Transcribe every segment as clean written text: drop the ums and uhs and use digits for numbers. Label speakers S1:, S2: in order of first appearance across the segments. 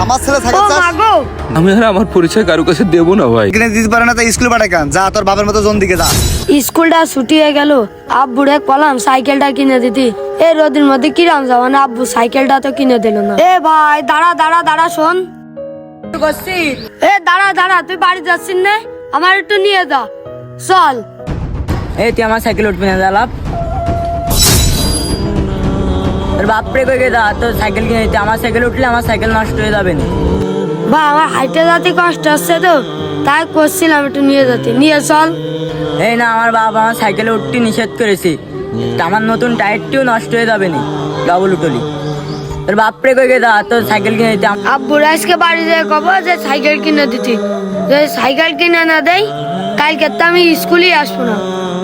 S1: আমার ছেলে সাইকেল চাস?
S2: আমি আর আমার পরিচয় কারো কাছে দেবো না ভাই।
S1: কিনে দিতে পারে না তো স্কুলে পাঠাই কেন? যা তোর বাবার মতো জন দিকে যা।
S3: স্কুলটা ছুটি হয়ে গেল, আব্বুরে কলাম সাইকেলটা কিনে দিতি। এই রোদের মধ্যে কিরাম যাওয়া না, আব্বু সাইকেলটা তো কিনে দিল না। এ ভাই দাঁড়া দাঁড়া দাঁড়া, শোন। এ দাঁড়া দাঁড়া, তুই বাড়ি যাচ্ছিস না? আমার একটু নিয়ে যা, চল।
S4: এই তুই আমার সাইকেল উঠবি না দালাপ? তোর বাপরে কই গেদা, তোর সাইকেল কিনে দিতে। আমার সাইকেল উঠলে আমার সাইকেল নষ্ট হয়ে যাবে না।
S3: বা আমার হাইটে যেতে কষ্ট হচ্ছে তো, তাই করছিলাম একটু নিয়ে যেতে। নিয়ে চল।
S4: এই না, আমার বাবা আমার সাইকেলে উঠতে নিষেধ করেছে। তা আমার নতুন টায়ারটিও নষ্ট হয়ে যাবে না, ডবল উঠলি। তোর বাপরে কই গেদা, তোর সাইকেল কিনে দিতে।
S3: আব্বুর আজকে বাড়ি যেয়ে কব যে সাইকেল কিনে দিতি। যদি সাইকেল কিনে না দেয়, কালকে তো আমি স্কুলেই আসবো না।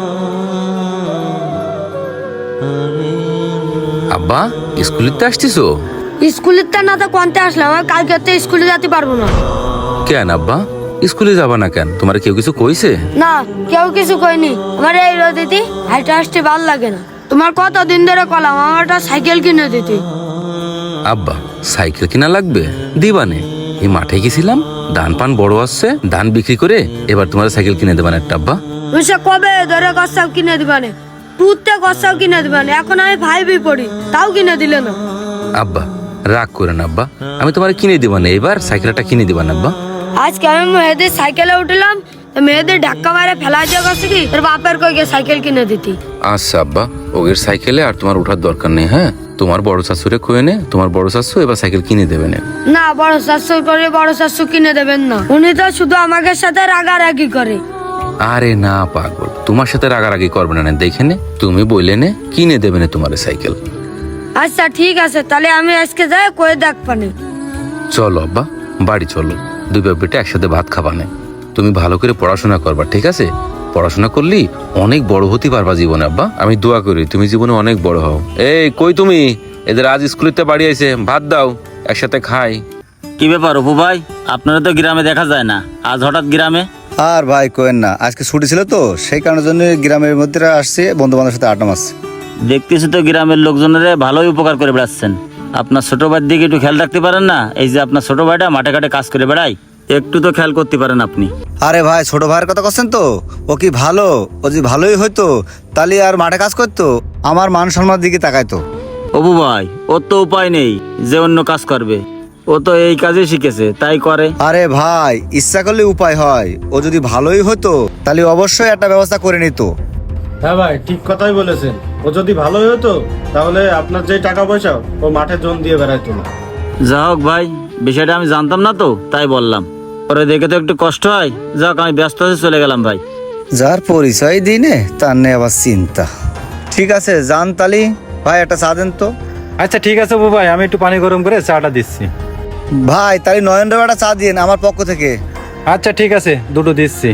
S2: আব্বা স্কুলিতে আসছিস?
S3: স্কুলের তো না তো কোনতে আসলাম, আমি কালকে তো স্কুলে যেতে পারবো না।
S2: কেন আব্বা স্কুলে যাবা না কেন? তোমার কেউ কিছু কইছে?
S3: না, কেউ কিছু কইনি। আমার এই রোদিতি হাইটে আসতে ভাল লাগে না। তোমার কতদিন ধরে কলাম আমার একটা সাইকেল কিনে দিতি।
S2: আব্বা সাইকেল কিনা লাগবে, দিবানে। এই মাঠে গেছিলাম, ধান পান বড় আসছে, ধান বিক্রি করে এবার তোমার সাইকেল কিনে দেবান একটা আব্বা।
S3: তুমি সে কবে ধরে গসাও কিনে দিবানে, টুতে গসাও কিনে দিবানে। এখন আমি ভাইবি পড়ি, তাও কিনে দিলে না।
S2: আব্বা রাগ করে না আব্বা, আমি তোমার কিনে দিবানে, এবার সাইকেলটা কিনে দিবান আব্বা।
S3: আজকে আমি মেয়েদের সাইকেলে উঠলাম, মেয়েদের ধাক্কা মারে ফেলা দিয়ে গেছে কি তোর বাপের কই গিয়ে সাইকেল কিনে দিতি।
S2: আচ্ছা আব্বা, ওগের সাইকেলে আর তোমার ওঠার দরকার নেই। হ্যাঁ, তোমার বড় শাশুড়ে কয়ে নে, তোমার বড় শাশু এবার সাইকেল কিনে দেবে না।
S3: না, বড় শাশু করে বড় শাশু কিনে দেবেন না। উনি তো শুধু আমাকে সাথে রাগারাগি করে।
S2: আরে না পাগল, তোমার সাথে রাগারাগি করবে না, দেখে নে, তুমি বললে নে কিনে দেবে না তোমার সাইকেল।
S3: আচ্ছা ঠিক আছে, তাহলে আমি আজকে যাই কয়ে দেখ পানি।
S2: চলো আব্বা বাড়ি চলো, দুই বাপ বেটা একসাথে ভাত খাবানে। তুমি ভালো করে পড়াশোনা করবা, ঠিক আছে? পড়াশোনা করলি অনেক বড় হতে পারবা জীবনে আব্বা। আমি দোয়া করি তুমি জীবনে অনেক বড় হও। এই কই তুমি? এদের আজ স্কুলেতে বাড়ি আইছে, ভাত দাও একসাথে খাই।
S5: কি ব্যাপার অপু ভাই, আপনারা তো গ্রামে দেখা যায় না, আজ হঠাৎ গ্রামে?
S1: আর ভাই কোয়েন না, আজকে ছুটি ছিল তো, সেই কারণের জন্য গ্রামের মধ্যে আসছে, বন্ধু বান্ধবের সাথে আড্ডা মারছে।
S5: দেখতেছি তো গ্রামের লোকজনের ভালোই উপকার করে বেড়াচ্ছেন। আপনার ছোট ভাইয়ের দিকে একটু খেয়াল রাখতে পারেন না? এই যে আপনার ছোট ভাইটা মাঠে ঘাটে কাজ করে বেড়ায়, একটু তো খেয়াল করতে পারেন আপনি।
S1: আরে ভাই, ছোট ভাইয়ের কথা করছেন তো? ও কি ভালো? ও যদি ভালোই হইতো তাহলে আর মাঠে কাজ করতো, আমার মান সম্মানের দিকে তাকাইতো।
S5: অপু ভাই, ওর তো উপায় নেই যে অন্য কাজ করবে, ও তো এই কাজে শিখেছে তাই করে।
S1: আরে ভাই, ইচ্ছা করলে উপায় হয়। ও যদি ভালোই হতো তাহলে অবশ্যই একটা ব্যবস্থা করে নিত।
S6: হ্যাঁ ভাই, ঠিক কথাই বলেছেন। ও যদি ভালোই হতো তাহলে আপনার যে টাকা পয়সা ও মাঠে জন দিয়ে বেড়াইতো না।
S5: যা হোক ভাই, বিষয়টা আমি জানতাম না তো তাই বললাম। পরে দেখে তো একটু কষ্ট হয়। যাক, আমি ব্যস্ত হয়ে চলে গেলাম ভাই।
S1: যার পরিচয় দিনে তার নেই আবার চিন্তা। ঠিক আছে জান তালি ভাই, একটা চা দেন তো।
S6: আচ্ছা ঠিক আছে অপু ভাই, আমি একটু পানি গরম করে চাটা দিচ্ছি।
S1: ভাই তাহলে নয়নরাও একটা চা দিন আমার পক্ষ থেকে।
S6: আচ্ছা ঠিক আছে, দুটো দিচ্ছি।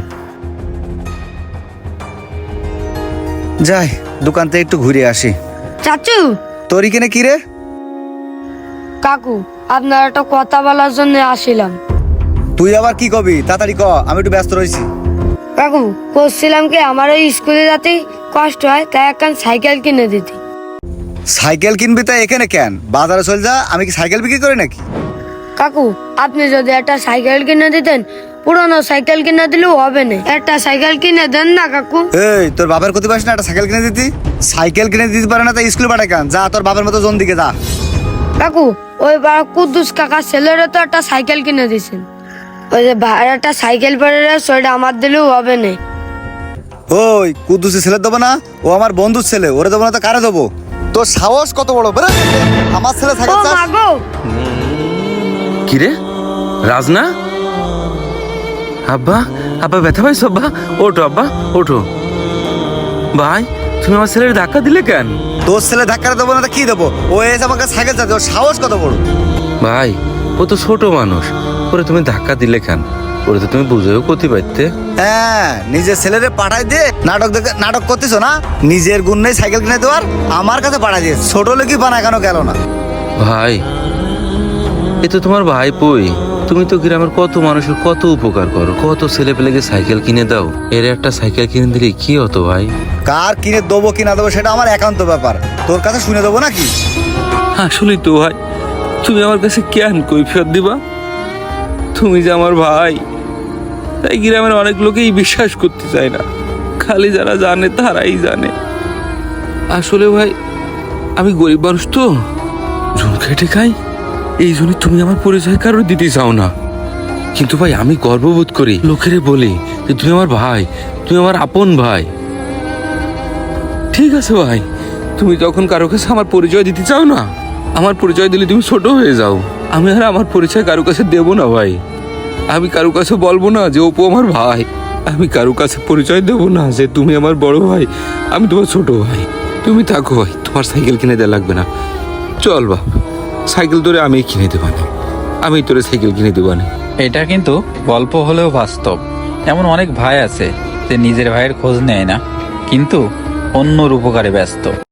S1: যাই দোকান থেকে একটু ঘুরে আসি।
S3: চাচু,
S1: তোর এখানে কি রে?
S3: কাকু, আপনার একটা কথা বলার জন্য আসিলাম।
S1: তুই আবার কি কবি? তাড়াতাড়ি ক, আমি একটু ব্যস্ত রয়েছি।
S3: কাকু, করছিলাম কি আমার ওই স্কুলে যেতে কষ্ট হয়, তাই একখান সাইকেল কিনে দিতি।
S1: সাইকেল কিনবি তাই এখানে কেন? বাজারে চল যা, আমি কি সাইকেল বিক্রি করি নাকি?
S3: কাকু, আপনি যদি একটা সাইকেল কিনে দিতেন, পুরনো সাইকেল কিনে দিলেও হবে না, একটা সাইকেল কিনে দেন না কাকু।
S1: এই তোর বাবার ক্ষতি পাস না একটা সাইকেল কিনে দিতি? সাইকেল কিনে দিতে পারে না তাই স্কুলে পাঠাই কেন? যা তোর বাবার মতো জন দিকে যা।
S3: কাকু, ওই কুদ্দুস কাকার ছেলেরও তো একটা সাইকেল কিনে দিয়েছেন। ওই যে ভাইয়ের একটা সাইকেল পরে সেটা আমার দিলেও হবে না।
S1: ওই কুদ্দুসি ছেলে দেবো না? ও আমার বন্ধুর ছেলে, ওরে দেবো না তো কারে দেবো? তোর সাহস কত বড়? বেরো, আমার ছেলে
S3: ও
S1: সাইকেল চাস?
S3: মা গো,
S2: কিরে রাজনা? আব্বা আব্বা ব্যথা পাইছো? আব্বা ওঠো, আব্বা ওঠো। ভাই তুমি আমার ছেলের ধাক্কা দিলে কেন?
S1: তোর ছেলে ধাক্কা দেবো না তো কি দেবো? ও এসে আমাকে সাইকেল চাচ্ছে, ওর সাহস কত বড়?
S2: ভাই ও তো ছোট মানুষ, ওরে তুমি ধাক্কা দিলে কেন? ওরে তো তুমি বুঝেও করতে পারতে।
S1: হ্যাঁ, নিজের ছেলেরে পাঠাই দিয়ে নাটক করতেছো না? নিজের গুণ নেই সাইকেল কিনে দেওয়ার, আমার কাছে পাঠাই দিয়ে ছোট লোকই বানা কেন গেল না?
S2: ভাই এ তো তোমার ভাই পই, তুমি তো গ্রামের কত মানুষের কত উপকার করো, কত ছেলে পেলেকে সাইকেল কিনে দাও, এর একটা সাইকেল কিনে দিলে কি হতো ভাই?
S1: কার কিনে দেবো কি না দেবো সেটা আমার একান্ত ব্যাপার, তোর কাছে শুনে দেবো নাকি?
S2: আসলেই তো ভাই, তুমি আমার কাছে কেন কৈফিয়ত দিবা? তুমি যে আমার ভাই, তাই গ্রামের অনেক লোকেই বিশ্বাস করতে চায় না, খালি যারা জানে তারাই জানে। আসলে ভাই আমি গরিব মানুষ তো, জুন খেটে খাই, এই জন্য তুমি আমার পরিচয় কারোর দিতে চাও না। কিন্তু ভাই আমি গর্ববোধ করি, লোকেরে বলি যে তুমি আমার ভাই, তুমি আমার আপন ভাই। ঠিক আছে ভাই, তুমি যখন কারো কাছে আমার পরিচয় দিতে চাও না, আমার পরিচয় দিলে তুমি ছোট হয়ে যাও। আমি আর আমার পরিচয় কারো কাছে দেবো না ভাই। আমি কারো কাছে বলবো না যে অপু আমার ভাই, আমি কারো কাছে পরিচয় দেবো না যে তুমি আমার বড় ভাই, আমি তোমার ছোট ভাই। তুমি থাকো ভাই, তোমার সাইকেল কিনে দেওয়া লাগবে না। চল বাপ, সাইকেল তোরে আমি কিনে দেবানি, আমি তোরে সাইকেল কিনে দেবানি।
S7: এটা কিন্তু গল্প হলেও বাস্তব। এমন অনেক ভাই আছে যে নিজের ভাইয়ের খোঁজ নেয় না, কিন্তু অন্যর উপকারে ব্যস্ত।